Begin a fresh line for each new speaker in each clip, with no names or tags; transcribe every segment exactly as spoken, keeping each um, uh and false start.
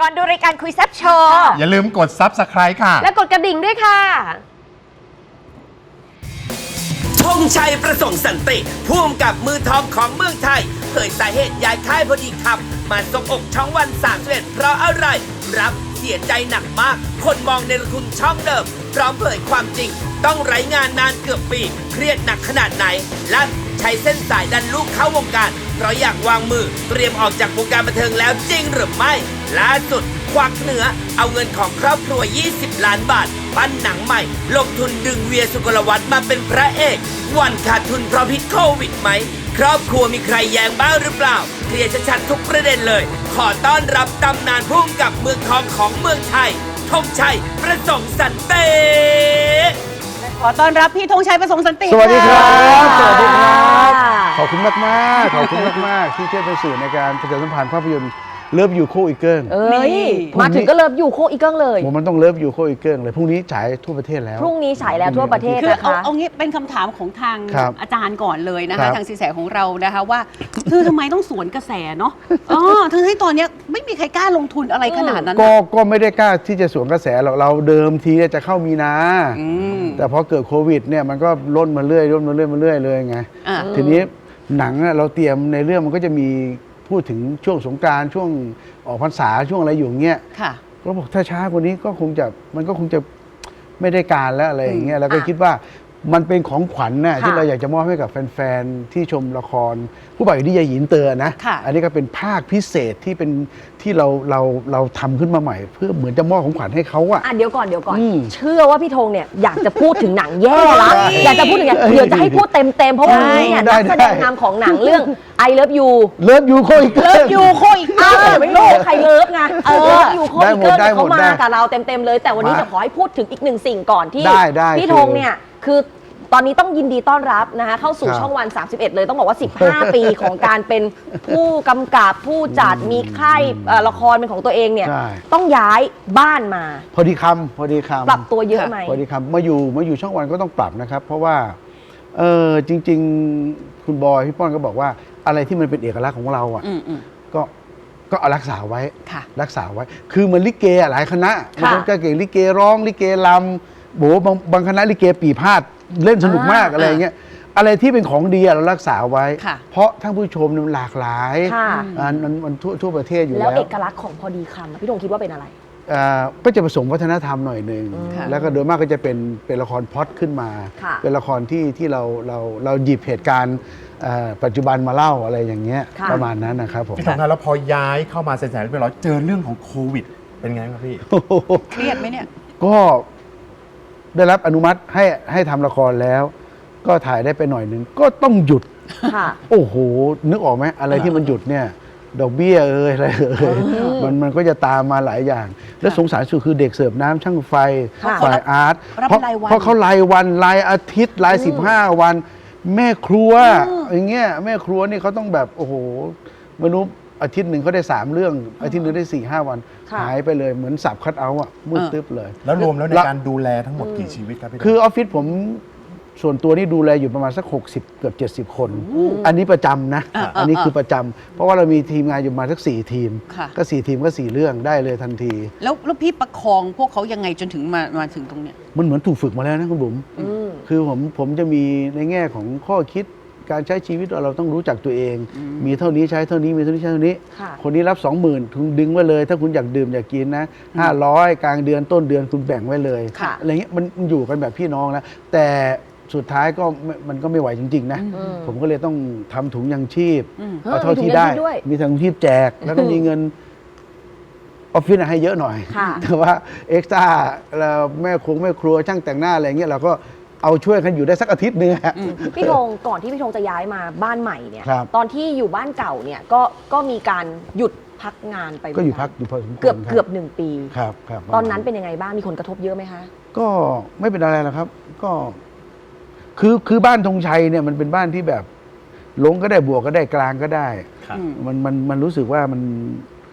ก่อนดูรายการคุยแซ่บโชว์
อย่าลืมกด ซับสไครบ์ ค่ะ
และกดกระดิ่งด้วยค่ะ
ธงชัยประสงค์สันติผู้กำกับมือทองของเมืองไทยเผยสาเหตุย้ายค่ายพอดีคำมาซบอกช่องวันสามสิบเอ็ดเพราะอะไรรับเสียใจหนักมากคนมองในทุนช่องเดิมพร้อมเผยความจริงต้องไร้งานนานเกือบปีเครียดหนักขนาดไหนลั่นใช้เส้นสายดันลูกเข้าวงการเพราะอยากวางมือเตรียมออกจากวงการบันเทิงแล้วจริงหรือไม่ล่าสุดควักเหนือเอาเงินของครอบครัวยี่สิบล้านบาทปั้นหนังใหม่ลงทุนดึงเวียสุกลวัฒน์มาเป็นพระเอกวันขาดทุนเพราะพิษโควิดไหมครอบครัวมีใครแย้งบ้างหรือเปล่าเคลียร์ชัดๆทุกประเด็นเลยขอต้อนรับตำนานผู้กำกับเมืองทองของเมืองไทยธงชัยประสงค์สันติ
ขอต้อนรับพี่ธงชัยประสงค์สันติ
สวัสดีครับสวัสดีครับขอบคุณมากมากขอบคุณมากมากที่ช่วยเป็นสื่อในการประชาสัมพันธ์ภาพยนตร์เลิฟยูโคอีเกิล
เอ้ยมาถึงก็เลิฟยูโคอีเกิลเลย
ผมมันต้องเลิฟยูโคอีเกิลเลยพรุ่งนี้ฉายทั่วประเทศแล้ว
พรุ่งนี้ฉายแล้วทั่วประเทศ
คือ
นะคะ
เอาเอางี้เป็นคำถามของทางอาจารย์ก่อนเลยนะคะทางสินแสของเรานะคะว่าคือทำไมต้องสวนกระแสเนาะอ๋อทั้งที่ตอนนี้ไม่มีใครกล้าลงทุนอะไรขนาดนั้น
ก็ก็ไม่ได้กล้าที่จะสวนกระแสหรอกเราเดิมทีจะเข้ามีนาแต่พอเกิดโควิดเนี่ยมันก็ล้นมาเรื่อยล้นมาเรื่อยมาเรื่อยเลยไงทีนี้หนังเราเตรียมในเรื่องมันก็จะมีพูดถึงช่วงสงกรานต์ช่วงออกพรรษาช่วงอะไรอยู่เงี้ยก็บอกถ้าช้ากว่านี้ก็คงจะมันก็คงจะไม่ได้การแล้วอะไรอย่างเงี้ยแล้วก็คิดว่ามันเป็นของขวัญน่ะที่เราอยากจะมอบให้กับแฟนๆที่ชมละครผู้บ่าวอยู่ที่ยายหยินเตอนะอันนี้ก็เป็นภาคพิเศษที่เป็นที่เราเราเราทำขึ้นมาใหม่เพื่อเหมือนจะมอบของขวัญให้เขาอะ
อ่ะเดี๋ยวก่อนเดี๋ยวก่อนเชื่อว่าพี่ธงเนี่ยอยากจะพูดถึงหนังแย่ละอยากจะพูดถึงเดี๋ยวจะให้พูดเต็มเต็มเพราะว่าเนี่ยนักแสดงนำของหนังเรื่อง I Love You
เลิฟยูโคอีเกิล
เลิฟยูโคอีเกิล
ไม่รู้ใครเลิฟไงเออยูโคอีเกิลเขามากับเราเต็มๆเลยแต่วันนี้จะขอให้พูดถึงอีกหนึ่งสิ่งก่อนที่พี่ธงเนี่ยคือตอนนี้ต้องยินดีต้อนรับนะคะเข้าสู่ช่องวันสามสิบเอ็ดเลยต้องบอกว่าสิบห้าปีของการเป็นผู้กำกับผู้จัดมีค่ายละครเป็นของตัวเองเนี่ยต้องย้ายบ้านมา
พอดีคำพอดีคำ
ปรับตัวเยอะไหม
พอดีคำมาอยู่มาอยู่ช่องวันก็ต้องปรับนะครับเพราะว่าเออจริงๆคุณบอยพี่ป้อนก็บอกว่าอะไรที่มันเป็นเอกลักษณ์ของเราอ่ะก็ก็เอารักษาไว้รักษาไว้คือมันลิเกหลายคณะบางคนก็เก่งลิเกร้องลิเกลำโบางบางคณะลิเกปีพาดเล่นสนุกมากอะไรอย่างเงี้ยอะไรที่เป็นของดีเรารักษาไว้เพราะท่านผู้ชมมันหลากหลายมันมันทั่วทั่วประเทศอยู่แล้ว
แล้วเอกลักษณ์ของพอดีคำพี่ธงคิดว่าเป็นอะไร
ก็จะผสมวัฒนธรรมหน่อยหนึ่งแล้วก็โดยมากก็จะเป็นเป็นละครพล็อตขึ้นมาเป็นละครที่ที่เราเราเราหยิบเหตุการณ์ปัจจุบันมาเล่าอะไรอย่างเงี้ยประมาณนั้นนะครับผม
พี่ธงครับแล้วพอย้ายเข้ามาเสร็จๆเรียบร้อยเจอเรื่องของโควิดเป็นไงครับพี่
เครียดไหมเนี่ย
ก็ได้รับอนุมัติให้ให้ทำละครแล้วก็ถ่ายได้ไปหน่อยหนึ่งก็ต้องหยุดโอ้โหนึกออกไหมอะไรที่มันหยุดเนี่ยดอกเบี้ยเอ่ยอะไรเอ่ยมันมันก็จะตามมาหลายอย่างแล้วสงสารสุดคือเด็กเสิร์ฟน้ำช่างไฟฝ่ายอาร์ตเพราะเพราะเขารายวันรายอาทิตย์รายสิบห้าวันแม่ครัวอย่างเงี้ยแม่ครัวนี่เขาต้องแบบโอ้โหมนุษย์อาทิตย์หนึ่งเขาได้สามเรื่องอาทิตย์หนึ่งได้สี่ห้าวันหายไปเลยเหมือนสับคัดเอาอะมืดตึ๊บเลย
แล้วรวมแล้วในการดูแลทั้งหมดกี่ชีวิตครับพี่
คือออฟฟิศผมส่วนตัวนี่ดูแลอยู่ประมาณสักหกสิบเกือบเจ็ดสิบคนอันนี้ประจำนะอันนี้คือประจำเพราะว่าเรามีทีมงานอยู่มาสักสี่ทีมก็สี่ทีมก็สี่เรื่องได้เลยทันที
แล้วแล้วพี่ประคองพวกเขายังไงจนถึงมามาถึงตรงเนี้ย
มันเหมือนถูกฝึกมาแล้วนะคุณบุ๋มคือผมผมจะมีในแง่ของข้อคิดการใช้ชีวิตเราต้องรู้จักตัวเองมีเท่านี้ใช้เท่านี้มีเท่านี้ใช้เท่านี้คนนี้รับสองหมื่นคุณดึงไว้เลยถ้าคุณอยากดื่มอยากกินนะห้าร้อยกลางเดือนต้นเดือนคุณแบ่งไว้เลยอะไรเงี้ยมันอยู่กันแบบพี่น้องนะแต่สุดท้ายก็มันก็ไม่ไหวจริงๆนะผมก็เลยต้องทำถุงยังชีพเอาเท่าที่ได้มีถุงยังชีพแจกแล้วก็มีเงินออฟฟิศให้เยอะหน่อยแต่ว่าเอ็กซ์ตร้าแม่คงแม่ครัวช่างแต่งหน้าอะไรเงี้ยเราก็เอาช่วยกันอยู่ได้สักอาทิตย์นึง
พี่ธงก่อนที่พี่ธงจะย้ายมาบ้านใหม่เนี่ยตอนที่อยู่บ้านเก่าเนี่ยก็ก็มีการหยุดพักงานไป
ก็อยู่พักอยู่พอสมควร
เกือบเกือบหนึ่งปี
ครับครับ
ตอนนั้นเป็นยังไงบ้างมีผลกระทบเยอะไหมคะ
ก็ไม่เป็นอะไรหรอกครับก็คือคือบ้านธงชัยเนี่ยมันเป็นบ้านที่แบบลงก็ได้บวกก็ได้กลางก็ได้มันมันมันรู้สึกว่ามัน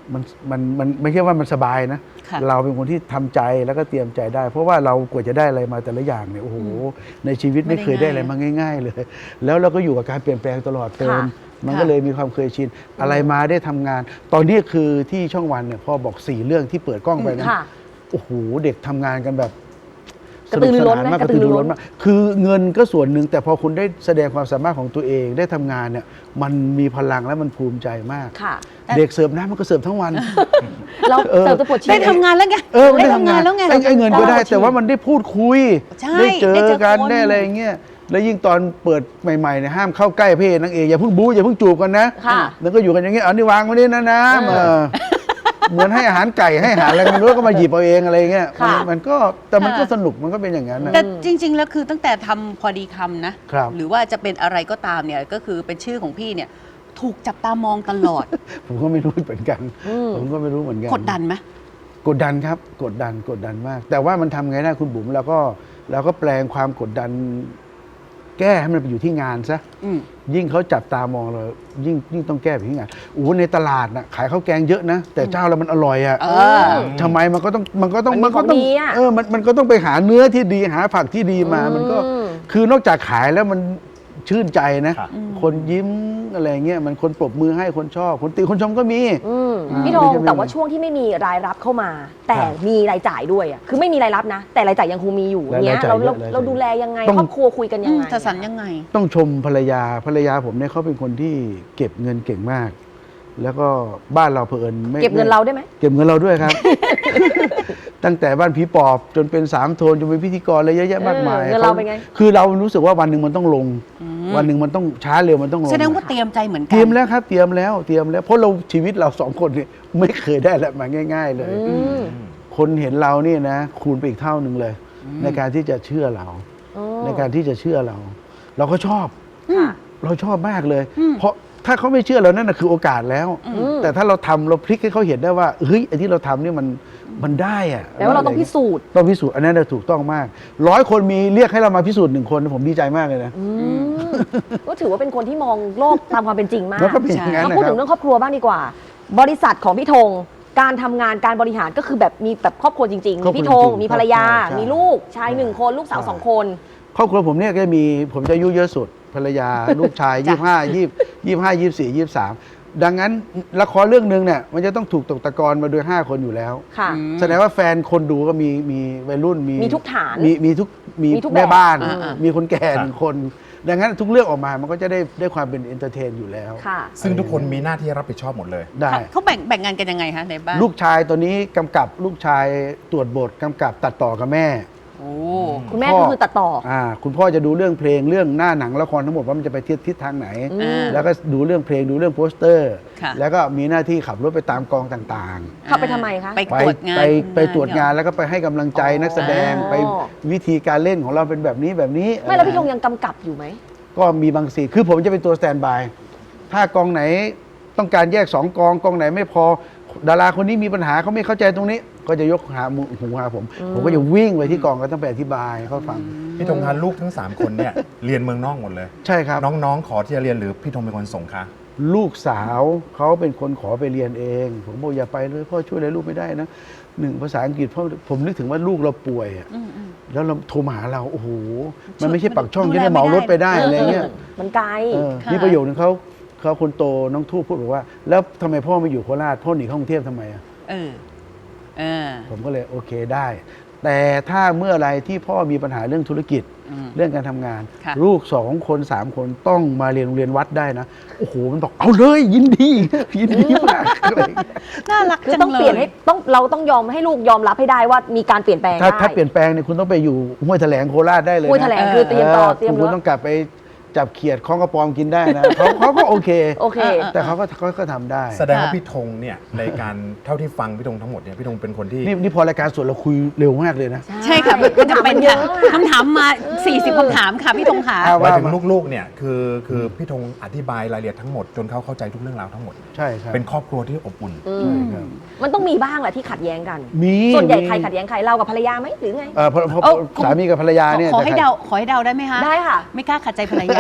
มันมันมันไม่ใช่ว่ามันสบายนะ
ค่ะ
เราเป็นคนที่ทำใจแล้วก็เตรียมใจได้ เพราะว่าเรากว่าจะได้อะไรมาแต่ละอย่างเนี่ยโอ้โหในชีวิตไม่เคยได้อะไรมาง่าย ๆ เลย แล้วเราก็อยู่กับการเปลี่ยนแปลงตลอดเติม
ค่ะ
มันก็เลยมีความเคยชินอะไรมาได้ทำงาน ตอนนี้คือที่ช่องวันเนี่ยพอบอกสี่เรื่องที่เปิดกล้องไปนะ
ค่ะ
โอ้โหเด็กทำงานกันแบบ
กระตือรือร้นไหม
มาก
ก
ก
ระ
ระ
ตื
ตื
อ
อ
รื
รือ อ
ร้
ร้
น
นมากคือเงินก็ส่วนหนึ่งแต่พอคุณได้แสดงความสามารถของตัวเองได้ทำงานเนี่ยมันมีพลังและมันภูมิใจมาก
ค่ะ
เด็กเสิร์ฟน้ำมันก็เสิร์ฟทั้งวัน
เรา
เออ
เสิร์ฟจะปวดฉี่
ได้ทำงานแล้วไง
เออมัน
ได้
ได้
ทำงาง
ทำาน น
แล้วไง
ไอ้ไอ้เงินก็ได้
เรา
แต่ว่ามันได้พูดคุย
ใช่
ได้เจ
ได้
อ
เจอ
กัน
คน
ได้อะไรอย่างเงี้ยแล้วยิ่งตอนเปิดใหม่ๆเนี่ยห้ามเข้าใกล้พระเอกนางเอกอย่าเพิ่งบู๊อย่าเพิ่งจูบกันนะ
ค่ะ
แล้วก็อยู่กันอย่างเงี้ยเอานี่วางไว้นี่นะน้ำ
เออ
เออเหมือนให้อาหารไก่ให้อาหารอะไรไมันรู้ก็มาหยิบเอาเองอะไรเงี้ย
ค่ะ
มันมันก็แต่มันก็สนุกมันก็เป็นอย่างนั้นนะ
แต่จริง ๆ แล้วคือตั้งแต่ทำพอดีคำนะ
ครับ
หรือว่าจะเป็นอะไรก็ตามเนี่ยก็คือเป็นชื่อของพี่เนี่ยถูกจับตามองตลอด
ผมก็ไม่รู้เหมือนกัน
อืม
ผมก็ไม่รู้เหมือนกัน
กดดันไหม
กดดันครับกดดันกดดันมาก แต่ว่ามันทำไงได้คุณบุ๋มเราก็เราก็แปลงความกดดัน แก้ให้มันไปอยู่ที่งานซะ
อืม
ยิ่งเขาจับตามองเรายิ่งยิ่งต้องแก้ไปที่งานโอ้โหในตลาดน่ะขายข้าวแกงเยอะนะ แต่เจ้าเรามันอร่อยอ่ะ
เออ
ทำไมมันก็ต้องมันก็ต้อง
มันมี
ก็ต้อ
ของ งดีอะ
เออมันมันก็ต้องไปหาเนื้อที่ดีหาผักที่ดีมา มันก็
อืม
คือนอกจากขายแล้วมันชื่นใจนะ
ครับ
คนยิ้มอะไรเงี้ยมันคนปรบมือให้คนชอบคนติคนชมก็มี
อืม
อ่า
พี่ธง
ไม่ใช่ไม่
แต่ว่าช่วงที่ไม่มีรายรับเข้ามา แต่
ครับ
มีรายจ่ายด้วยอ่ะคือไม่มีรายรับนะ แต่รายจ่ายยังคงมีอยู่
ราย
เนี้ย
จ่าย
เรา
เย
เรา
อะรายจ่าย
เราดูแลยังไง
ต้อง
ครอบครัวคุยกันยังไง
จะสันยังไง
ต้องชมภรรยาภรรยาผมเนี่ยเขาเป็นคนที่เก็บเงินเก่งมาก แล้วก็บ้านเราเผอิญไม่
เก็บเงินเราได้ไหม
เก็บเงินเราด้วยครับ ตั้งแต่บ้านผีปอบจนเป็นสามโทนจนเป็นพิธีกรอะไรเยอะแยะมากมาย
เออเงินเราเป็นไง
คือเรารู้สึกว่าวันหนึ่งมันต้องลง วันหนึ่งมันต้องช้าเร็วมันต้องลง
แสดงว่าเตรียมใจเหมือนกั
เตรียมแล้วครับเตรียมแล้วเตรียมแล้วเพราะเราชีวิตเราสองคนเนี่ยไม่เคยได้อะไรมาง่าย ๆ เลย
อืม
คนเห็นเราเนี่ยนะคูณไปอีกเท่าหนึ่งเลย ในการที่จะเชื่อเรา
อ๋อ
ในการที่จะเชื่อเรา เราก็ชอบ
ค่ะ
เราชอบมากเลย เพราะถ้าเขาไม่เชื่อเรานั่นนะคือโอกาสแล้ว
ม
แต่ถ้าเราทำเราพลิกให้เขาเห็นได้ว่าเฮ้ยไอ้ที่เราทำเนี่ยมันมันได้อะ
แต่ว่าเราต้องพิสูจน์
ต้องพิสูจน์อันนั้นนะถูกต้องมากร้อยคนมีเรียกให้เรามาพิสูจน์หนึ่งคนผมดีใจมากเลยนะ
อืมก็ถือว่าเป็นคนที่มองโลกตามความเป็นจริงมาก
แล้วก็เป็นอย่างนั้น
มา
นะ
พูด
ครั
ถึ
บ
งเรื่องครอบครัวบ้างดีกว่า บริษัทของพี่ธงการทำงานการบริหารก็คือแบบมีแบบครอบครัวจริงๆ
ครอ
มี
บครัว
พี่ธง
จริงๆ
มีภรรยา
ใช่ใช่
มีลูกชายหนึ่งคนลูกสาว
ใช่
สองคน
ครอบครัวผมเนี่ยก็มีผมจะอายุเยอะสุดภรรยา ลูกชายยี่ห้ายี่ยี่ห้ายี่สี่ยี่สามดังนั้นละครเรื่องหนึ่งเนี่ยมันจะต้องถูกตกตะกอนมาโดยห้าคนอยู่แล้ว
ค่ะ
อืม
แสดงว่าแฟนคนดูก็มีมีวัยรุ่นมี
มีทุกฐาน
มีมีทุกมี
มีทุกแบบ
แม่บ้าน
อ่าๆ
มีคนแก่หนึ่งคน ดังนั้นทุกเรื่องออกมามันก็จะได้ได้ความเป็นเอนเตอร์เทนอยู่แล้ว
ค่ะ
ซึ่งทุกคนมีหน้าที่รับผิดชอบหมดเลย
ได้
เขาแบ่งแบ่งงานกันยังไงคะในบ้าน
ลูกชายตัวนี้กำกับลูกชายตรวจบทกำกับตัดต่อกับแม่
โอ้
คุณแม่
พ่
ก็
อ
คือตัดต่อ
อ่าคุณพ่อจะดูเรื่องเพลงเรื่องหน้าหนังละครทั้งหมดว่ามันจะไปทิศทิศทางไหน
อืม
แล้วก็ดูเรื่องเพลงดูเรื่องโปสเตอร์
ค่ะ
แล้วก็มีหน้าที่ขับรถไปตามกองต่าง
เข้าไปทำไมคะ
ไป
ๆ ไป
ตรวจงาน
ไปไปตรวจงานแล้วก็ไปให้กำลังใจ
อ๋อ
นักแสดงไปวิธีการเล่นของเราเป็นแบบนี้แบบนี้
ไม่แล้วพี่ธงยังกำกับอยู่ไหม
ก็มีบางซีนคือผมจะเป็นตัวสแตนด์บายถ้ากองไหนต้องการแยกสองกองกองไหนไม่พอดาราคนนี้มีปัญหาเขาไม่เข้าใจตรงนี้ ก็จะยกหาหูหาผม ผมก็จะวิ่งไปที่กองก็ต้องไปอธิบายให้เขาฟัง
พี่ธงคะลูกทั้ง 3 คนเนี่ย เรียนเมืองนอกหมดเลย
ใช่ครับ
น้องๆ ขอที่จะเรียนหรือพี่ธงเป็นคนส่งคะ
ลูกสาวเขาเป็นคนขอไปเรียนเอง ผมบอกอย่าไปเลยพ่อช่วยอะไรลูกไม่ได้นะหนึ่งภาษาอังกฤษพ่อผมนึกถึงว่าลูกเราป่วยอะ
อืมอืม
แล้วเราโทรมาหาเราโอ้โหมันไม่ใช่
มัน
ปักช่อง
ดู
จะ
แล
ได้เหมารถไปได้
ไม่ได้
อะไรเงี้ย
มันไกล
เออ
ค่ะ
มีประโยคนึงเขาเขาคนโตน้องทูบพูดบอกว่า แล้วทำไมพ่อไม่อยู่โคราชพ่อหนีเข้ากรุงเทพทำไมอะ
เออเออ
ผมก็เลยโอเคได้ แต่ถ้าเมื่อไรที่พ่อมีปัญหาเรื่องธุรกิจ
อืม
เรื่องการทำงาน
ค่ะ
ลูกสองคนสามคนต้องมาเรียนโรงเรียนวัดได้นะโอ้โหมันบอกเอาเลยยินดียินดีมากอะไรอย่างเงี้ย
น่ารัก
คือ
จัง
ต้อง
เล
เปลี่ยน
ย
ให้ต้องเราต้องยอมให้ลูกยอมรับให้ได้ว่ามีการเปลี่ยนแปลง
ถ้า
ได้
ถ้าเปลี่ยนแปลงเนี่ยคุณต้องไปอยู่ห้วยแถลงโคราชได้เลยนะ
คุยแถลงคือเตรียมต่อเตรียม
คุณ
เนื้
ต้อ
อง
กลับไปจับเขียดคล้องกระปอมกินได้นะเขาเขาก็โอเค
โอเค
เออ
แต่เขาก็เขาก็ทำได้
แสดงว่า
ค่ะ
พี่ธงเนี่ยในการเท่าที่ฟังพี่ธงทั้งหมดเนี่ยพี่ธงเป็นคนที่
นี่นี่พอรายการสดเราคุยเร็วมากเลยนะ
ใช่ค่ะมันจะเป็น
เย
ค่ะ
อะอะ
คำถามมา สี่สิบคำถามค่ะพี่ธงขา
เอา
หมายถึงลูกๆเนี่ยคือคือพี่ธงอธิบายรายละเอียดทั้งหมดจนเขาเข้าใจทุกเรื่องราวทั้งหมด
ใช่ครับ
เป็นครอบครัวที่อบอุ่น
อืม
ใช่ครับ
มันต้องมีบ้างแหละที่ขัดแย้งกัน
มี
ส่วนใหญ่
มี
ใครขัดแย้งใครเรากับภรรยาไหมหรือไง
เออเพราะเพราะ
เอ้า
สามีกับภรรยาเนี่ย
ขอให้
จะ
เดาขอให้เดาได้ไหมคะ
ได้ค่ะ
ไม่กล้าขัดใจภรรยา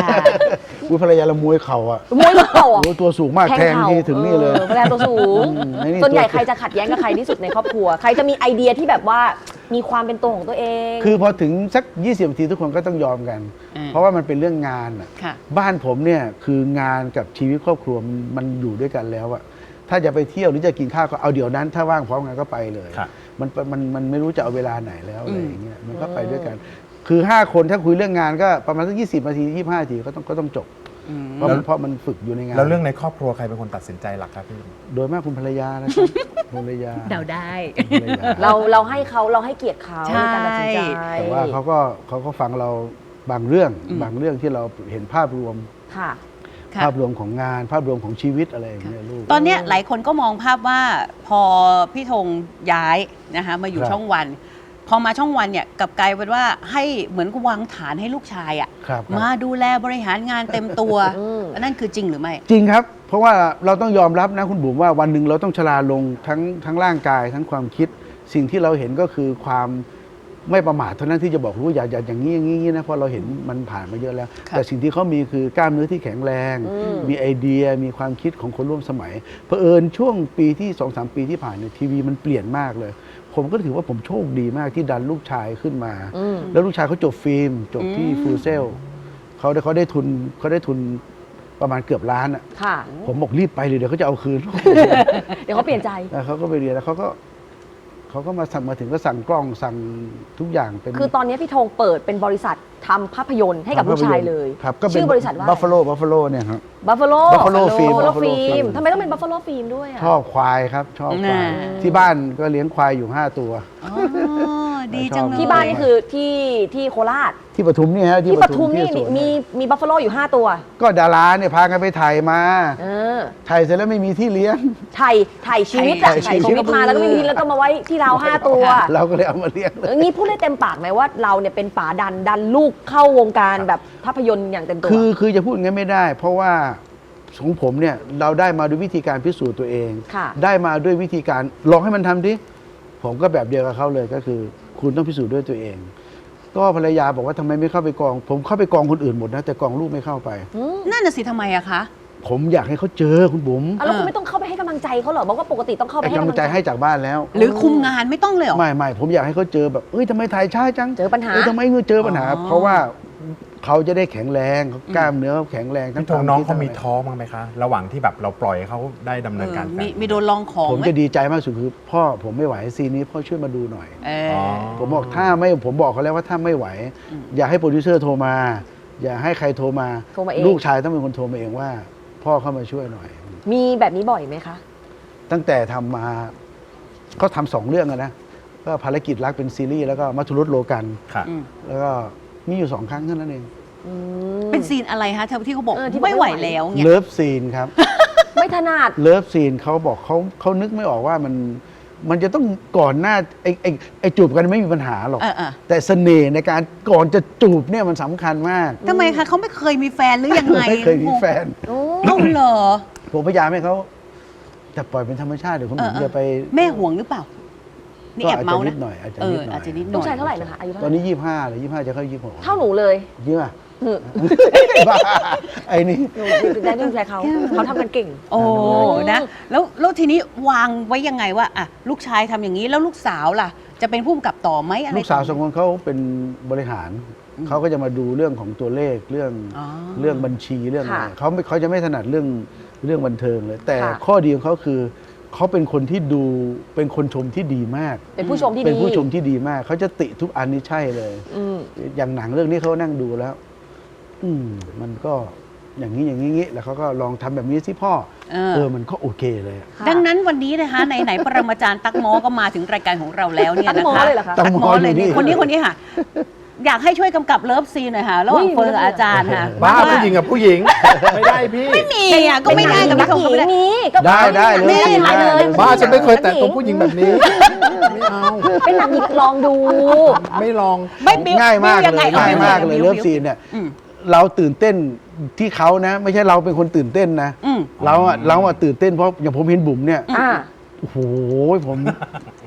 อุ้ยภรรยาละมวยเข่าอ่ะ
มวยเข่าอ่ะ
โอ้ตัวสูงมากแทงทีถึงนี่เลย
ออภรรยาตัวสูง
อืมไอ้นี่
ส่วนใหญ่
ตัว
ใครจะขัดแย้งกับใครที่สุดในครอบครัว ใครจะมีไอเดียที่แบบว่ามีความเป็นตัวของตัวเอง
คือพอถึงสักยี่สิบนาทีทุกคนก็ต้องยอมกัน
อืม
เพราะว่ามันเป็นเรื่องงานอ่ะ
ค่ะ
บ้านผมเนี่ยคืองานกับชีวิตครอบครัวมันมันอยู่ด้วยกันแล้วอะถ้าจะไปเที่ยวหรือจะกินข้าวก็เอาเดี๋ยวนั้น ถ้าว่างพร้อมกันก็ไปเลย
ครับ
มันมันมันไม่รู้จะเอาเวลาไหนแล้วอะไรอย่างเงี้ยมันก็ไปด้วยกัน คือห้าคนถ้าคุยเรื่องงานก็ประมาณสักยี่สิบนาทียี่สิบห้านาทีก็ต้องก็ต้องจบ
อืม
เพราะมันเพราะมันฝึกอยู่ในงาน
แล้วเรื่องในครอบครัวใครเป็นคนตัดสินใจหลักครับพี่
โดยมากคุณภรรยานะครับ ภรรยา
เดาได้
ภรรยา
เราเราให้เขาเราให้เกียรติเขา
ใช่
ในการตัดสินใจ
แต่ว่าเขาก็เขาก็ฟังเราบางเรื่อง
อืม
บางเรื่องที่เราเห็นภาพรวม
ค่ะ
ค่ะ
ภาพรวมของงาน ภาพรวมของชีวิตอะไรอย่างเงี้ยลูก
ตอนเนี้ยหลายคนก็มองภาพว่าพอพี่ธงย้ายนะคะมาอยู่
ครับ
ช่องวัน พอมาช่องวันเนี่ยกลับกลายเป็นว่าให้เหมือนวางฐานให้ลูกชายอะ
ครับครับ
มาดูแลบริหารงานเต็มตัว
อืม
อันนั่นคือจริงหรือไม่
จริงครับ เพราะว่าเราต้องยอมรับนะคุณบุ๋มว่าวันหนึ่งเราต้องชราลงทั้งทั้งร่างกายทั้งความคิด สิ่งที่เราเห็นก็คือความไม่ประมาทเท่านั้นที่จะบอกรู้อย่าอย่าอย่างนี้อย่างนี้นะเพราะเราเห็นมันผ่านมาเยอะแล้ว
ครับ
แต่สิ่งที่เขามีคือกล้ามเนื้อที่แข็งแรง
อืม
มีไอเดียมีความคิดของคนร่วมสมัยเผอิญช่วงปีที่สองสามปีที่ผ่านเนี่ยทีวีมันเปลี่ยนมากเลย ผมก็ถือว่าผมโชคดีมากที่ดันลูกชายขึ้นมา
อืม
แล้วลูกชายเขาจบฟิล์มจบที่
อืม
ฟูเซลเขาได้เขาได้ทุนเขาได้ทุนประมาณเกือบล้านอ่ะ
ค่ะ
ผมบอกรีบไปเลยเดี๋ยวเขาจะเอาคืน
เดี๋ยวเขาเปลี่ยนใจ
แล้วเขาก็ไปเรียนแล้วเขาก็เขาก็มาสั่งมาถึงก็สั่งกล้องสั่งทุกอย่างเป็น
คือตอนนี้พี่ธงเปิดเป็นบริษัททำภาพยนตร์ให้กับลูกชายเลย
ครับก็เป็น
ชื่อบริษัทว่า
บัฟฟาโลบัฟฟาโลเนี่ยครับ
บัฟฟาโล
Buffalo Film
บัฟฟาโล
Buffalo
ฟิล์ม
Film
ทำไมต้องเป็นบัฟฟาโลฟิล์มด้วยอ่ะ
ชอบควายครับ ชอบควาย
น่า
ที่บ้านก็เลี้ยงควายอยู่ห้าตัว
อ๋อดีจังเลย
ที่บ้านนี่คือที่ที่โคราช
ที่ปทุมนี่ฮะ
ที่ปทุมนี่
ที่สวน
มีมีบัฟฟาโลอยู่ห้าตัว
ก็ดาราเนี่ยพากันไปถ่ายมา
เออ
ถ่ายเสร็จแล้วไม่มีที่เลี้ยง
ถ่ายถ่ายชีวิตอะ
ถ่าย
ถ่าย
ชี
ชี
วิ
วิ
ต
ตมาแล้วก็ไม่มีแล้วก็มาไว้ที่เราห้าตัว
เราก็เลยเอามาเลี้ยงเล
เอย องี้พูดได้เต็มปากไหมว่าเราเนี่ยเป็นป๋าดันดันลูกเข้าวงการแบบภาพยนตร์อย่างเต็มตัว
คือคือจะพูดงั้นไม่ได้ เพราะว่าของผมเนี่ยเราได้มาด้วยวิธีการพิสูจน์ตัวเอง
ค่ะ
ได้มาด้วยวิธีการลองให้มันทำดิผมก็แบบเดียวกับเขาเลยก็คือ คุณต้องพิสูจน์ด้วยตัวเอง ก็ภรรยาบอกว่าทำไมไม่เข้าไปกอง ผมเข้าไปกองคนอื่นหมดนะแต่กองลูกไม่เข้าไป
นั่นน่ะสิทำไมอะคะ
ผมอยากให้เขาเจอคุณบุ๋ม
อ่ะแล้วคุณไม่ต้องเข้าไปให้กำลังใจเขาเหรอบอกว่าปกติต้องเข้าไป
ไอ้
ให้
กำ
กำ
ลั
ลั
ง
ง
ใจ
ใจ
ให้จากบ้านแล้ว
หรือคุมงานไม่ต้องเลยเหรอ
ไม่ไม่ผมอยากให้เขาเจอแบบเอ้ยทำไมถ่ายช้าจัง
เจอปัญหา
เอ้ยทำไมเงือเจอปัญหา
อ๋อ
เพราะว่าเขาจะได้แข็งแรงเขากล้ามเนื้อเขาแข็งแรงทั้ง
พี่ธง
คว
น้อง
คิด
เขามี
ทั้ะไร
ท้อบ้างไหมคะ ระหว่างที่แบบเราปล่อยให้เขาได้ดำเนินการ
เออ
แสด
มี
ง
มีโดนลองของ
ผม
ไหม
จะดีใจมากสุดคือ พ่อผมไม่ไหวซีนนี้พ่อช่วยมาดูหน่อย
เอ
อ๋
อ
อ
ผมบอกถ้าไม่ผมบอกเขาแล้วว่าถ้าไม่ไหว อย่าให้โปรดิวเซอร์โทรมา อย่าให้ใครโทรมา
โทรมาเอง
ลูกชายต้องเป็นคนโทรมาเองว่า พ่อเข้ามาช่วยหน่อย
มีแบบนี้บ่อยไหมคะ
ตั้งแต่ทำมาก็ทำสองเรื่องอะนะก็ภารกิจรักเป็นซีรีส์แล้วก็มัทุรุษโลกัน
ค่ะ
อืม
แล้วก็มีอยู่สองครั้งเท่านั้นเอง
อืม
เป็นซีนอะไรคะที่เขาบอก
เออที่บอก
ไม่ไหว
ไม่ไหว
แล้วเนี่ย
เลิฟซีนครับ
ไม่ถนัด
เลิฟซีนเขาบอกเขาเขานึกไม่ออกว่ามันมันจะต้องก่อนหน้าไอ้ไอ้ไอ้จูบกันไม่มีปัญหาหรอก
เออเออ
แต่เสน่ห์ในการก่อนจะจูบเนี่ยมันสำคัญมาก
ทำไมคะเขาไม่เคยมีแฟนหรือยังไง
ไม่เคยมีแฟน
โอ้
เอ้าเหรอ
ผมพยายามให้เขาจะปล่อยเป็นธรรมชาติเดี๋ยวคุณ
เอ
ห
อ
นุ่ม
เออ
จะไป
แม่ห่วงหรือเปล่า นี่
ก็
แอบ
อาจ
เมา
จะ
ส์
นิ
นะ
ดหน่อยอาจจะ
เอ
นิ
อ
ดหน่อย
อาจจะนิดหน่
ลู
อก ย
ชายเท่าไหร่นะคะอายุเท่า
ตอน
ไหร่
นี้ยี่ห้าหรือยี่ห้าจะเข้ายี่หก
เท่าหนูเลย
เยอะ
หนู
บ้าไอ้นี่
หนูได้ลูกชายเขาเขาทำกันเก่ง
โอ้นะแล้วแล้วทีนี้วางไว้ยังไงว่าอ่ะลูกชายทำอย่างนี้แล้วลูกสาวล่ะ จะเป็นผู้กำกับต่อไหมอะไร
ลูกสาวสองคนเขาเป็นบริหาร เขาก็จะมาดูเรื่องของตัวเลขเรื่อง
อ๋อ
เรื่องบัญชีเรื่องอะไร
ค่ะ
เขาไม่เขาจะไม่ถนัดเรื่องเรื่องบันเทิงเลย แต่
ค่ะ
ข้อดีของเขาคือเขาเป็นคนที่ดูเป็นคนชมที่ดีมาก
เป็นผู้ชมที่ดี
เป็นผู้ชมที่ดีมาก เขาจะติทุกอันนี่ใช่เลย
อืม
อย่างหนังเรื่องนี้เขานั่งดูแล้ว อืมมันก็อย่างนี้อย่างนี้อย่างนี้แล้วเขาก็ลองทำแบบนี้สิพ่อ
เออ
เออมันก็โอเคเลย
ค่ะ
ดังนั้นวันนี้นะคะไหนไหนๆปรมาจารย์ตักหมอก็มาถึงรายการของเราแล้วเนี่ย
ตั๊ก
นะ
หมอ
คะ
เลยเหรอคะ
ตั๊กหมอ
เลย
อยู่นี่
นี่คนนี้คนนี้ค่ะ อยากให้ช่วยกำกับเลิฟซีนหน่อยค่ะระหว่าง
อุ้ย
เฟิร์นกับอาจารย์ค่ะ
บ้า
ว่
ผู้หญิงกับผู้หญิง ไม่ได้พี่
ไม่มีอ่ะก็ไม่ได้กับ
นั
พี่
ก
ธง
หญิ
ก็ไม่
ง
ได้
นี้ก็
ได้ได้
ไม่ได้
เลย
ถ่ายเลย
บ้าฉันไม่เคยแตะตัวผู้หญิงแบบนี้ ไม่เอา
เป็นนักหญิงลองดู
ไม่ลอง
ไม่บิ้ว
ง่ายมาก
บิ้ว
เล
ง
ย
ไง
ง่ายมากเลย
บิ้ว
เลิฟ
บิ้ว
ซีนเนี่ย
อืม
เราตื่นเต้นที่เขานะ ไม่ใช่เราเป็นคนตื่นเต้นนะ
อืม
เราอะเราอะตื่นเต้นเพราะอย่างผมเห็นบุ๋มเนี่ย
อ่า
โอ้โหผม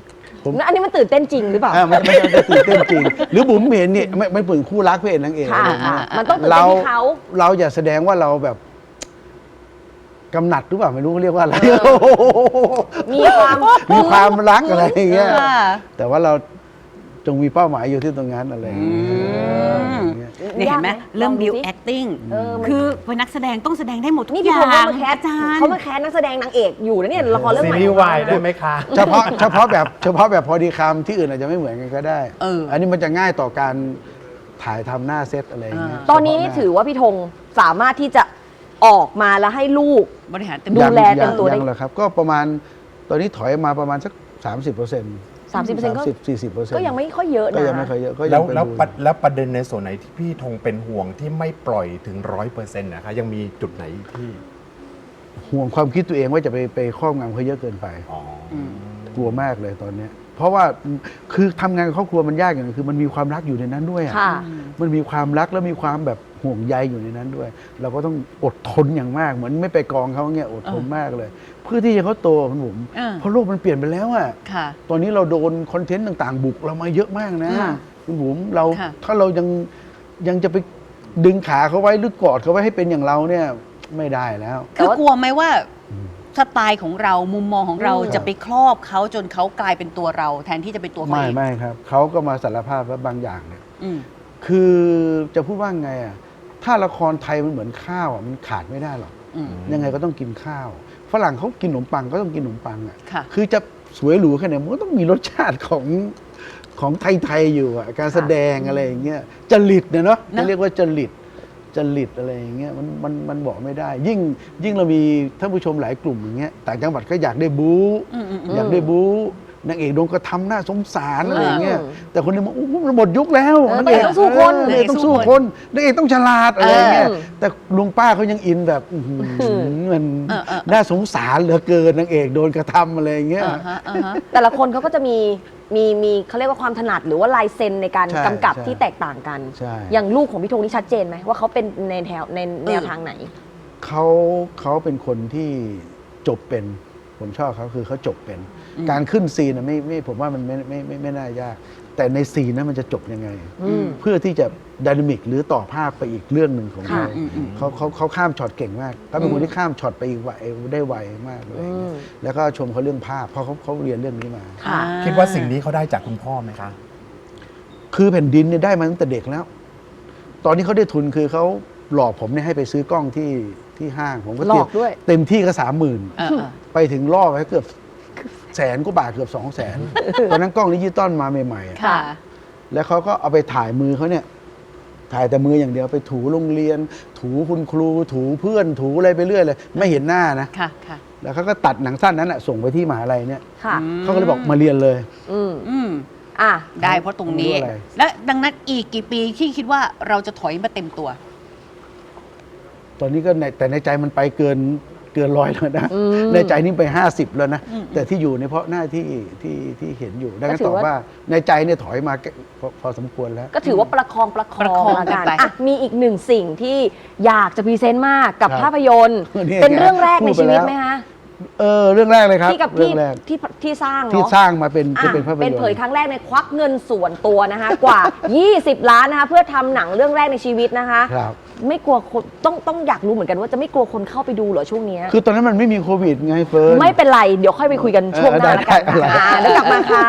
ผม
อันนี้มันตื่นเต้นจริงหรือเปล่า
อ่ามันมันจะตื่นเต้นจริง หรือบุ๋มเห็นเนี่ยไม่ไม่เปิดคู่รักพระเอกนางเอก
ค่ะ
อะไรอย่างเงี้ย
มันต้องตื่นเต้นที่เขา
เราอย่าแสดงว่าเราแบบกำหนัดหรือเปล่าไม่รู้เรียกว่าอะไร
มีความ
มีความรักอะไรอย่างเงี้ย
ค่ะ
แต่ว่าเราจงมีเป้าหมายอยู่ที่ตรงนั้นอะไรอย่างเงี้ย
เนี่ยเห็นไหม
ยากไหม
เริ่ม
ลองดู
บิว
สิ
acting
เออมัน
คือเป็นนักแสดงต้องแสดงได้หมดทุก
นี่
อ
พี่
ย่า
ธงเขา
ง
มาแคส
อาจารย์
เขามาแคสนักแสดงนางเอกอยู่นะเนี่ยละครเรื่อง
ซี
ใหม่
รีส์วายได้ไหมคะ
เฉพาะเฉพาะแบบเฉพาะแบบพอดีคำที่อื่นอาจจะไม่เหมือนกันก็ได้
เอออั
นนี้มันจะง่ายต่อการถ่ายทำหน้าเซตอะไรอย่างเงี้ย
ตอนนี้นี่ถือว่าพี่ธงสามารถที่จะออกมาแล้วให้ลูก
บริหารเต็ม
ดู
ที่
แลเต็มตัวได้
ยังเหรอครับ ก็ประมาณตอนนี้ถอยมาประมาณสัก สามสิบเปอร์เซ็นต์
สามสิบเปอร์เซ็นต์ก็
สี่สิบเปอร์เซ็นต์
ก็ยังไม่ค่อยเยอะ
ก็
นะ
ยังไม่ค่อยเยอะก็ยั
แล้ว
งเป็น
แล้ว
ดู
ประแล้วประเด็นในส่วนไหนที่พี่ธงเป็นห่วงที่ไม่ปล่อยถึงร้อยเปอร์เซ็นต์นะคะยังมีจุดไหนที่
ห่วงความคิดตัวเองว่าจะไปไปครอบงำเขาเยอะเกินไป
อ๋อ
กลัวมากเลยตอนเนี้ยเพราะว่าคือทำงานกับครอบครัวมันยากอย่างหนึงคือมันมีความรักอยู่ในนั้นด้วยอะ
ค่ะ
มันมีความรักแล้วมีความแบบห่วงใยอยู่ในนั้นด้วย เราก็ต้องอดทนอย่างมากเหมือนไม่ไปกองเขาเงี้ยอดทนมากเลย เพื่อที่จะเขาโตคุณผม
เออ
เพราะโลกมันเปลี่ยนไปแล้วอะ
ค่ะ
ตอนนี้เราโดนคอนเทนต์ต่างๆ บุกเรามาเยอะมากนะ
ค่ะ
คุณบุ๋มเรา
ค่ะ
ถ้าเรายังยังจะไปดึงขาเขาไว้หรือกอดเขาไว้ให้เป็นอย่างเราเนี่ยไม่ได้แล้ว
คือกลัวไหมว่าสไตล์ของเรามุมมองของเรา
อืม
จะไปครอบเขาจนเขากลายเป็นตัวเรา แทนที่จะเป็นตัวเขา
ไม่
เอง
ไม่ครับเขาก็มาสารภาพว่าบางอย่างเนี่ย
อืม
คือจะพูดว่าไงอ่ะถ้าละครไทยมันเหมือนข้าวอ่ะมันขาดไม่ได้หรอก
อืม
ยังไงก็ต้องกินข้าว ฝรั่งเขากินขนมปังก็ต้องกินขนมปังอ่ะ
ค่ะ
คือจะสวยหรูแค่ไหนมันก็ต้องมีรสชาติของของไทยๆอยู่อ่ะการแสดงอะไรอย่างเงี้ยจริตเนี่ยเนาะ
นะ
จะเรียกว่าจริตจริตอะไรอย่างเงี้ยมันมันมันบอกไม่ได้ ยิ่งยิ่งเรามีท่านผู้ชมหลายกลุ่มอย่างเงี้ยต่างจังหวัดก็อยากได้บู๊
อืมอืมอืม
อยากได้บู๊นางเอกโดนกระทำหน้าสงสารอะไรอย่างเงี้ย
อืม
แต่คนหนึงบอกโอ้โหมันหมดยุคแล้ว
เออน
างเอก
ต้องสู้คน
เออนางเอกต้องสู้คนนางเอกต้องฉลาดอะไรอย่างเงี้ย
เออ
แต่ลุงป้าเขายังอินแบบอื้อหือมัน
เออเออ
น่าสงสารเหลือเกินนางเอกโดนกระทำอะไรอย่างเงี้ย
อ่าฮะอ่าฮะ
แต่ละคนเขาก็จะมีมีมีเขาเรียกว่าความถนัดหรือว่าลายเซ็นในการ
ใช่
กำกับ
ใช่
ที่แตกต่างกัน
ใช่
อย่างลูกของพี่ธงนี่ชัดเจนไหมว่าเขาเป็นในแถวในแนวทางไหน
เขาเขาเป็นคนที่จบเป็น ผมชอบเขาคือเขาจบเป็น
อืม
การขึ้นซีนนะไม่ไม่ผมว่ามันไม่ไม่ไม่ไม่น่ายาก แต่ในซีนนั้นมันจะจบยังไง
อืม
เพื่อที่จะดินามิกหรือต่อภาพไปอีกเรื่องหนึ่งของ
ค่ะ
เขา
อืมอืม
เขาเขาเขาข้ามช็อตเก่งมากเขาเป็นคนที่ข้ามช็อตไปอีกไวได้ไวมากเลย
อืม
แล้วก็ชมเขาเรื่องภาพเพราะเขาเขาเรียนเรื่องนี้มา
ค่ะ
คิดว่าสิ่งนี้เขาได้จากคุณพ่อไหมคะ
คือแผ่นดินเนี่ยได้มาตั้งแต่เด็กแล้ว ตอนนี้เขาได้ทุนคือเขาหลอกผมเนี่ยให้ไปซื้อกล้องที่ที่ห้าง ผมก็
หลอกด้วย
เต็มที่ก็สามหมื่น
เออเออ
ไปถึงล่อไปเกือบแสนกว่าบาทเกือบสองแสนตอนนั้นกล้องดิจิตอลมาใหม่ๆอะ
ค่ะ
แล้วเขาก็เอาไปถ่ายมือเขาเนี่ย ถ่ายแต่มืออย่างเดียวไปถูโรงเรียน ถูคุณครู ถูเพื่อน ถูอะไรไปเรื่อยเลย ไม่เห็นหน้านะ
ค่ะค่ะ
แล้วเขาก็ตัดหนังสั้นนั้นอะส่งไปที่มหาลัยเนี่ย
ค่ะ
เขาก็เลยบอกมาเรียนเลย
อืม
อืม
อ่ะ
ได้เพราะตรงนี้
รู้อะไร
และดังนั้นอีกกี่ปีที่คิดว่าเราจะถอยมาเต็มตัว
ตอนนี้ก็ในแต่ในใจมันไปเกินเกินร้อยแล้วนะ
อืม
ในใจนี่ไปห้าสิบแล้วนะ
อืม
แต่ที่อยู่ในยเพราะหน้าที่ที่ที่เห็นอยู่ดังนั้น
ก็ถื
ต
อ
อบ
ว่า
ว่าในใจเนี่ยถอยมาพอพอสมควรแล้ว
ก็ถือว่าประคองประค
ประ
อ
คอง
งละ
กั
กัน น
ไป
อ่ะมีอีกหนึ่งสิ่งที่อยากจะพรีเซนต์มากกับ
ครับ
ภาพยนตร์
นี่ไง
เป็นเรื่องแรกใน
พูดไป
ชีวิต
แล้ว
ไหมคะ
เออเรื่องแรกเลยครับ
ที่กับ
เรื่
ที่
องแรก
ที่ที่สร้าง
ที่
เนาะ
สร้างมาเป็นที่
อ่ะ
เป็นภาพยนตร์
เป็นเผยครั้งแรกในควักเงินส่วนตัวนะคะ กว่า ยี่สิบ ล้านนะคะ เพื่อทำหนังเรื่องแรกในชีวิตนะคะ
ครับ
ไม่กลัวคนต้องต้องอยากรู้เหมือนกันว่าจะไม่กลัวคนเข้าไปดูเหรอช่วงเนี้ย
คือตอนนั้นมันไม่มีโควิดไงเฟิร์น
ไม่เป็นไร เดี๋ยวค่อยไปคุยกันช่วงหน้า
เออ
แล้วกัน
ได้ได้
ค่ะแล้วกลับมาค่ะ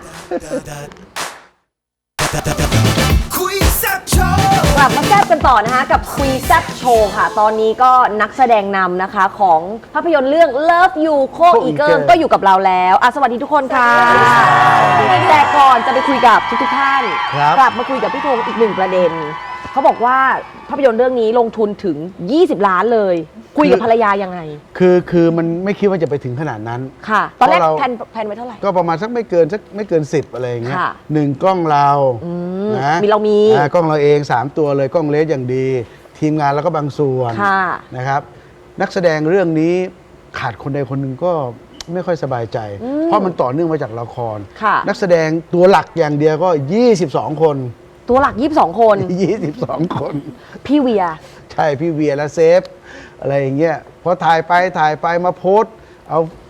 คุยแซ่บโชว์
กลับมาแซ่บกันต่อนะคะกับคุยแซ่บโชว์ค่ะ ตอนนี้ก็นักแสดงนำนะคะของภาพยนตร์เรื่อง Love You โคอีเกิลก็อยู่กับเราแล้วอ่ะสวัสดีทุกคนค่ะแต่ก่อนจะไปคุยกับทุกๆท่าน
ครับ
กลับมาคุยกับพี่ธงอีกหนึ่งประเด็น เขาบอกว่าภาพยนตร์เรื่องนี้ลงทุนถึง ยี่สิบ ล้านเลย คุยกับภรรยายังไง
คือคือมันไม่คิดว่าจะไปถึงขนาดนั้น
ค่ะ ตอนแรก
เพราะเรา
แพนแพนไว้เท่าไหร่
ก็ประมาณสักไม่เกินสักไม่เกินสิบอะไรอย่างเงี้ย
ค่ะ
หนึ่งกล้องเรา
อืม
นะ
มีเรามี
อ่ากล้องเราเองสามตัวเลยกล้องเลสอย่างดี ทีมงานแล้วก็บางส่วน
ค่ะ
นะครับ นักแสดงเรื่องนี้ขาดคนใดคนหนึ่งก็ไม่ค่อยสบายใจ
อืม
เพราะมันต่อเนื่องมาจากละคร
ค่ะ
นักแสดงตัวหลักอย่างเดียวก็ยี่สิบสองคน
ตัวหลักยี่สิบสองคน
ยี่สิบสองคน
พี่เวีย
ใช่พี่เวียและเซฟ อะไรอย่างเงี้ยพอถ่ายไปถ่ายไปมาโพสต์ เอา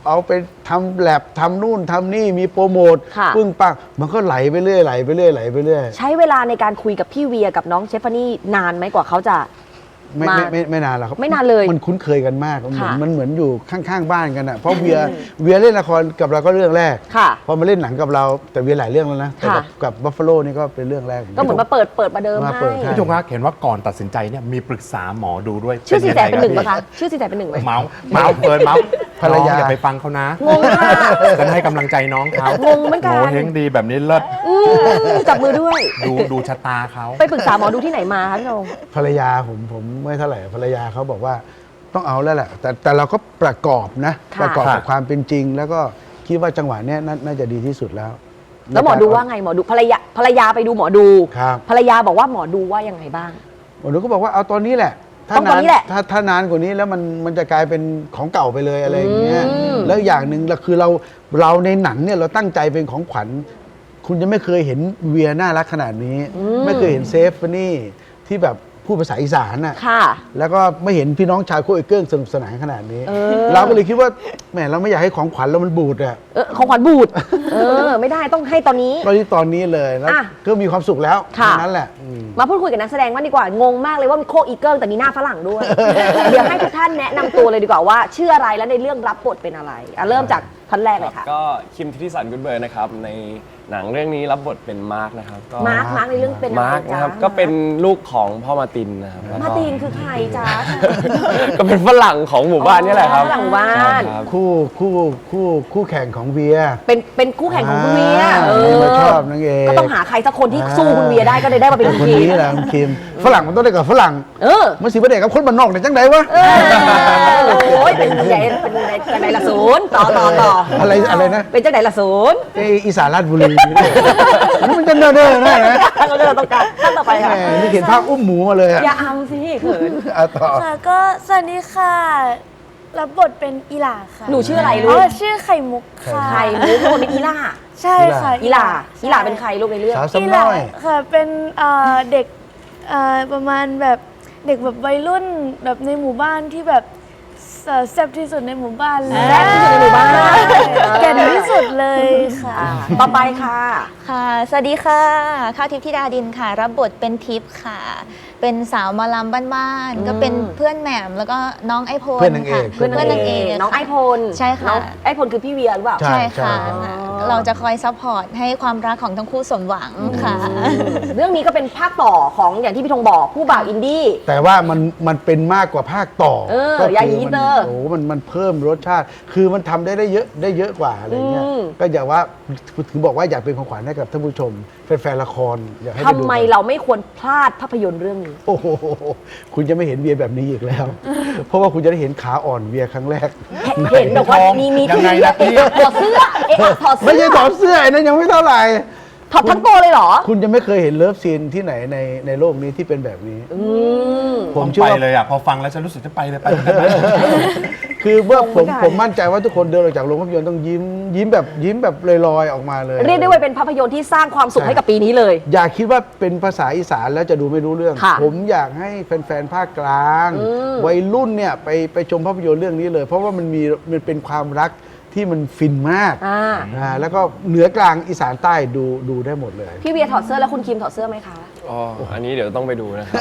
เอาไปทำแลบทำนู่นทำนี่มีโปรโมท
ค่ะ
ปึ้งปังมันก็ไหลไปเรื่อยไหลไปเรื่อยไหลไปเรื่อย
ใช้เวลาในการคุยกับพี่เวียกับน้องเชฟฟานี่นานไหมกว่าเขาจะ
ไม่
มา
ไม่ไม่ไม่นานหรอกครับ
ไม่นานเลย
มันคุ้นเคยกันมากมันเหมือน
ค่ะ
มันเหมือนอยู่ข้างๆบ้านกันอ่ะเพราะเวียเวียเล่นละครกับเราก็เรื่องแรก
ค่ะ
พอมาเล่นหนังกับเราแต่เวียหลายเรื่องแล้วนะแต่กับ
ค่ะ
กับบัฟฟาโลนี่ก็เป็นเรื่องแรก
ก็เหมือนมาเปิดเปิดประเดิม
มา
ให้
เปิดให้
พี่ธงคะเห็นว่าก่อนตัดสินใจเนี่ยมีปรึกษาหมอดูด้วย
ชื่อสีแสเป็นหนึ่ง
ยั
ปะ
ไ
คะชื่อสีแสเป็นหนึ่งไหม
เมาส์เมาส์เฟิร์นเมาส์
ภรรยา
น้องอย่าไปฟังเขานะ
งงค่ะ
ฉันให้กำลังใจน้องเขา
งงเหมือนกัน
โง่เฮงดีแบบนี้เลิศ
อืมจับมือด้วย
ดูดูชะตาเขา
ไปปรึกษาหมอดูที่ไหนมาคะพี่ธง
ภรรยาผมผมไม่เท่าไหร่ภรรยาเขาบอกว่าต้องเอาแล้วแหละแต่แต่เราก็ประกอบนะ
ค่ะ
ประกอบกับความเป็นจริง แล้วก็คิดว่าจังหวะเนี้ยน่าน่าจะดีที่สุดแล้ว
แล้วหมอดูว่าไงหมอดูภรรยาภรรยาไปดูหมอดู
ครับ
ภรรยาบอกว่าหมอดูว่ายังไงบ้าง
หมอดูก็บอกว่าเอาตอนนี้แหละ
ต้องตอนนี้แหละ
ถ้าถ้านานกว่านี้แล้วมันมันจะกลายเป็นของเก่าไปเลยอะไรอย่างเงี้ย
อืม
แล้วอย่างหนึ่งเราคือเราเราในหนังเนี่ยเราตั้งใจเป็นของขวัญ คุณจะไม่เคยเห็นเวียน่ารักขนาดนี้ ไม่เคยเห็นเซฟนี่ที่แบบพูดภาษาอีสานน่ะ
ค่ะ
แล้วก็ไม่เห็นพี่น้องชาวโคเอเกิ้งสนุกสนานขนาดนี้
เออ
เราก็เลยคิดว่าแหมเราไม่อยากให้ของขวัญเรามันบูดอะ
เออของขวัญบูด เออ ไม่ได้ต้องให้ตอนนี้
ตอนนี้ตอนนี้เลยแล้ว
อ่ะ
ก็มีความสุขแล้ว
ค่ะ
เท่านั้นแหละอืม
มาพูดคุยกับนักแสดงบ้างดีกว่า งงมากเลยว่ามีโคอีเกิลแต่มีหน้าฝรั่งด้วย เดี๋ยวให้ทุกท่านแนะนำตัวเลยดีกว่าว่าชื่ออะไรและในเรื่องรับบทเป็นอะไรอ่ะเริ่มจากท่านแรกเลยค่ะ
ก็คิมทิติสันกุดเบิร์นนะครับในหนังเรื่องนี้รับบทเป็นมาร์กนะครับก็
มาร์ค มาร์คในเรื่องเป็นอะไร
มาร์ก
จ๊ะ
นะครับก็เป็นลูกของพ่อมาร์ตินนะครับแล้ว
มา
ก็
ร์ตินคือใครจ๊ะ
ก็เป็นฝรั่งของหมู่บ้านนี่แหละครับ
ฝรั่งหมู่บ้าน
ใช่ครับ
คู่คู่คู่คู่แข่งของเวีย
เป็นเป็นคู่แข่งของคุณเวีย
อ่า
เอ
นี่
อ
มาชอบนางเอก
ก็ต้องหาใครสักคนที่สู้คุณเวียได้ก็เลยได้มาเป็นคุณ
คน
คิม
นี้แหละคุณคิมฝรั่งมันต้องได้กับฝรั่ง
เออ
มันสิประเด็กกับคนบ้านนอกเนี่ยจังไดวะ
เออโอ้ยเป็นใหญ่เป็นใหญ่จังไหนละศูนย์ต่อต่อต่อ
อะไรอะไรนะ
เป็นจังไหนละศูนย์
ไออีสานราชบุรีมันจะเนิ่นๆนะนะ
ท่านก็จะต้องการท่านต่อไป
แห
ค่ะ
มนี่เห็นภาพอุ้มหมูมาเลยอะ
อย่าอำสิเขิน
อ่ะต่อ
ค่ะก็สวัสดีค่ะ รับบทเป็นอีหลาค่ะ
หนูชื่ออะไรลู
อ๋อก ชื่อไข่มุกค่ะ
ใครมุกคนเป็นอีล่า
ใช่ค่ะ
อีหลาอีหลาเป็นใครลูกในเรื่อง
สาว
อี
ซ้ำ
หลา
น้อย
ค่ะเป็นเอ่อเด็กเอ่อประมาณแบบเด็กแบบวัยรุ่นแบบในหมู่บ้านที่แบบเอ่อแซ่บที่สุดในหมู่บ้านเลย
แซ่บที่สุดในหมู่บ้าน
แก่นที่สุดเลยค่ะ
ต่อไปค่ะ
ค่ะ สวัสดีค่ะ ข้าวทิพย์ธิดาดินค่ะ รับบทเป็นทิพย์ค่ะ เป็นสาวหมอลำบ้านๆ ก็เป็นเพื่อนแหม่มแล้วก็น้องไอพล
เพื่อนนางเอก
ค่ะเพื่อนนางเอก
น้องไอพล
ใช่ค่ะ
น้องไอพลคือพี่เวียหรือเปล่า
ใช่
ใช่ค่ะ
ใช่
เราจะคอยซัพพอร์ตให้ความรักของทั้งคู่สมหวังค่ะ
เรื่องนี้ก็เป็นภาคต่อของอย่างที่พี่ธงบอกผู้บ่าวอินดี้
แต่ว่ามันมันเป็นมากกว่าภาคต่อ
เออ
ก็คื
ยายี
มั
เตอร์
โอ้โหมันมันเพิ่มรสชาติ คือมันทำได้ได้เยอะได้เยอะกว่าอะไรเงี้ย
อืม
ก็อยากว่าถึงบอกว่าอยากเป็นของขวัญให้กับท่านผู้ชมแฟนๆละครอยากให้ป
ทำ
ดู
ไม
กัน
เราไม่ควรพลาดภาพยนตร์เรื่องนี้
โอ้โหคุณจะไม่เห็นเวียแบบนี้อีกแล้ว เพราะว่าคุณจะได้เห็นขาอ่อนเวียครั้งแรก
เห็นแบบว่ามีมี
ยังไงล่ะพี่
ถอดเสื้อเอ๊ะถอดเสื้
ไม่ใช่ถอดเสื้อไอ้นั้นยังไม่เท่าไหร่
ถอดทั้งตัวเลยเหรอ
คุณจะไม่เคยเห็นเลิฟซีนที่ไหนในในโลกนี้ที่เป็นแบบนี้
อืม
ผม
ต้อง
เชื่อ
ไป
ว่า
เลยอ่ะพอฟังแล้วฉันรู้สึกจะไปเลยไปเลยไปเลย
คือเมื่อผม
ไม่ได้
ผมมั่นใจว่าทุกคนเดินออกจากโรงภาพยนตร์ต้องยิ้ม ยิ้มแบบยิ้มแบบลอยๆออกมาเลย
เรียกได้ว่าเป็นภาพยนตร์ที่สร้างความสุขให้กับปีนี้เลย
อย่าคิดว่าเป็นภาษาอีสานแล้วจะดูไม่รู้เรื่อง
ค่ะ
ผมอยากให้แฟนๆภาคกลาง
อืม
วัยรุ่นเนี่ยไปไปชมภาพยนตร์เรื่องนี้เลย เพราะว่ามันมีมันเป็นความรักที่มันฟินมาก
อ่า
อ่าแล้วก็เหนือกลางอีสานใต้ดูดูได้หมดเลย
พี่เวียถอดเสื้อแล้วคุณคิมถอดเสื้อไหมคะ
อ๋ออันนี้เดี๋ยวต้องไปดูนะครับ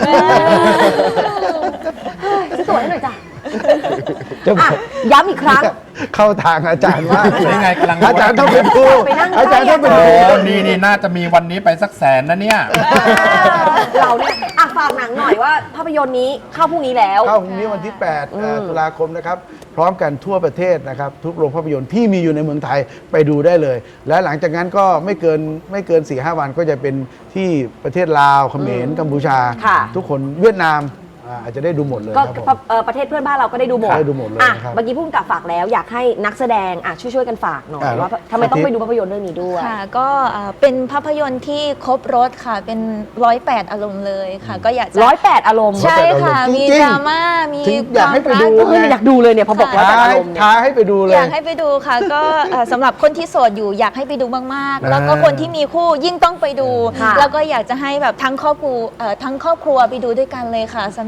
ซื้อตั๋วให้หน่อยจ้ะ
จะบ
อ่ะ
อก
ย้ำอีกครั้ง
เข้าทางอาจารย์มากเลย
นี่ไงกำลัง
อาจารย์ต้องไปดู
ไปนั่งใกล้
อาจารย์ต้องไป
โอ้
ดู
นี่นี่น่าจะมีวันนี้ไปสักแสนนะเนี่ย
เราเนี่ยอ่ะฝากหนังหน่อยว่าภาพยนตร์นี้เข้าพรุ่งนี้แล้ว
เข้าพรุ่งนี้วันที่แปดเอ่อตุลาคมนะครับ พร้อมกันทั่วประเทศนะครับ ทุกโรงภาพยนตร์ที่มีอยู่ในเมืองไทยไปดูได้เลย และหลังจากนั้นก็ไม่เกินไม่เกิน สี่ห้า วันก็จะเป็นที่ประเทศลาวเขมรกัมพูชา
ค่ะ
ทุกคนเวียดนามอ่าอาจจะได้ดูหมดเลย
ก็
ครับผม
เอ่อประเทศเพื่อนบ้านเราก็ได้ดูหมด
ได้ดูหมดเลย
อ่ะ
นะครับ
เมื่อกี้พุ่งกับฝากแล้วอยากให้นักแสดงอ่ะช่วยช่วยๆกันฝากหน่อย
อ่ะ
ว่าทำไมต้องไปดูภาพยนตร์เรื่องนี้ด้วย
ค่ะ ก็เอ่อเป็นภาพยนตร์ที่ครบรถค่ะ เป็นร้อยแปดอารมณ์เลยค่ะ ก็อยากจะ
ร้อยแปดอารมณ์
ใช่ค่ะ
จริงๆ
มีดราม่า มี
ถึงอยากให้ไปดู
ควม
เอ
รั
ออยากดูเลยเนี่ยพอบอกร้อยแปด
ท้า
อารมณ์เนี่ย
ท้าให้ไปดูเลย
อยากให้ไปดูค่ะ ก็เอ่อสำหรับคนที่โสดอยู่อยากให้ไปดูมากๆ แล้วก็
อ่า
คนที่มีคู่ยิ่งต้องไปดู
ค่ะ
แล้วก็อยากจะให้แบบทั้งครอบครัวเอ่อทั้งครอบครัวไปดูด้วยกันเลยค่ะ สนุก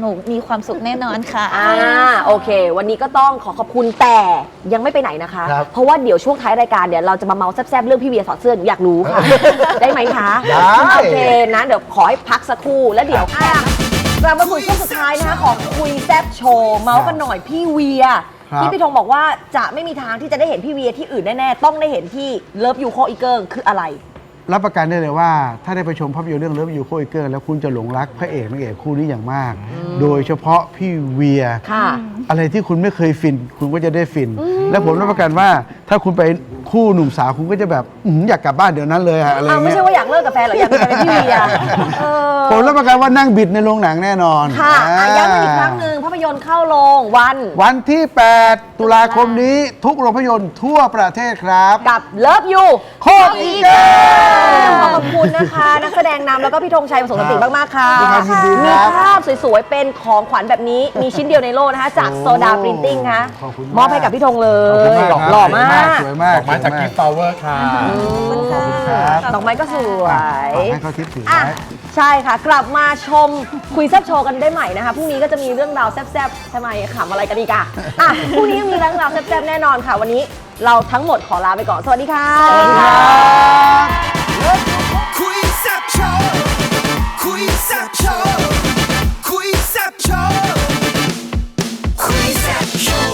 นุกมีความสุขแน่นอนค่ะ
อ่าโอเค วันนี้ก็ต้องขอขอบคุณแต่ยังไม่ไปไหนนะคะ
ครับ
เพราะว่าเดี๋ยวช่วงท้ายรายการเดี๋ยวเราจะมาเมาแซ่บๆเรื่องพี่เวียถอดเสื้อหนูอยากรู้ค่ะ ได้ไหมคะ
ได้
โอเคนะเดี๋ยวขอให้พักสักครู่แล้วเดี๋ยวอ่ะกลับมาสู่ช่วงสุดท้ายนะคะของคุยแซ่บโชว์เมาส์กันหน่อยพี่เวีย
ครับ
ที่พี่ธงบอกว่าจะไม่มีทางที่จะได้เห็นพี่เวียที่อื่นแน่ๆต้องได้เห็นที่เลิฟยูโคอีเกิลคืออะไร
รับประกันได้เลยว่าถ้าได้ไปชมภาพยนตร์เรื่องเลิฟยูโคอีเกิลแล้วคุณจะหลงรักพระเอกนางเอกคู่นี้อย่างมาก โดยเฉพาะพี่เวีย
ค่ะ
อะไรที่คุณไม่เคยฟิน คุณก็จะได้ฟิน และผมรับประกันว่าถ้าคุณไปคู่หนุ่มสาวคุณก็จะแบบอื้อหืออยากกลับบ้านเดี๋ยวนั้นเลยอะอะไร
อ้าวไม่
เงี้ย
ใช่ว่าอยากเลิกกับแฟนเหรออยากมีแฟนเป็นพี่เวียเออ
ผมรับประกันว่านั่งบิดในโรงหนังแน่นอน
ค่ะอ่ะ
อ่า
ย้ำกันอีกครั้งหนึ่งภาพยนตร์เข้าโรงวัน
วันที่ แปด ตุลาคมนี้ทุกโรงภาพยนตร์ทั่วประเทศครับ
กับเลิฟยู
โคตรอีเกิล
ขอบคุณนะคะ นักแสดงนำแล้วก็พี่ธงชัยประสงค์สติมาก ๆ ค่ะ
ด้วยความยินดี
มี
ครับ
ภาพสวย ๆ เป็นของขวัญแบบนี้ มีชิ้นเดียวในโลกนะคะ จากโซดาปรินติ้งค่ะ
ขอบคุณ
มอบให้กับพี่ธงเล
ขอบคุณ
ย
มากครับ
หล่อมาก
สวยมาก
ออกมาจากกิฟต์ฟลาวเวอร์ค่ะ
ขอบคุณครับ
ดอกไม้ก็สวย
ฝากให้เขาทิปถือ
อ่ะ
ไว้
ใช่ค่ะ กลับมาชมคุยแซบโชว์กันได้ใหม่นะคะพรุ่งนี้ก็จะมีเรื่องราวแซบๆทำไมขำอะไรกันอีกอะอ่ะพรุ่งนี้ยังมีเรื่องราวแซบๆแน่นอนค่ะ วันนี้เราทั้งหมดขอลาไปก่อนสวัสดีค่ะ
สวัสดีครับ
คุยแซ่บโชว์คุยแซ่บโชว์คุยแซ่บโชว์คุยแซ่บโชว์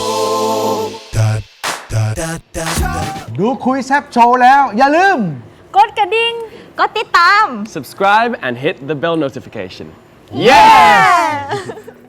ดูคุยแซบโชว์แล้ว อย่าลืม
กดกระดิ่ง
ก็ติดตาม
subscribe and hit the bell notification
yes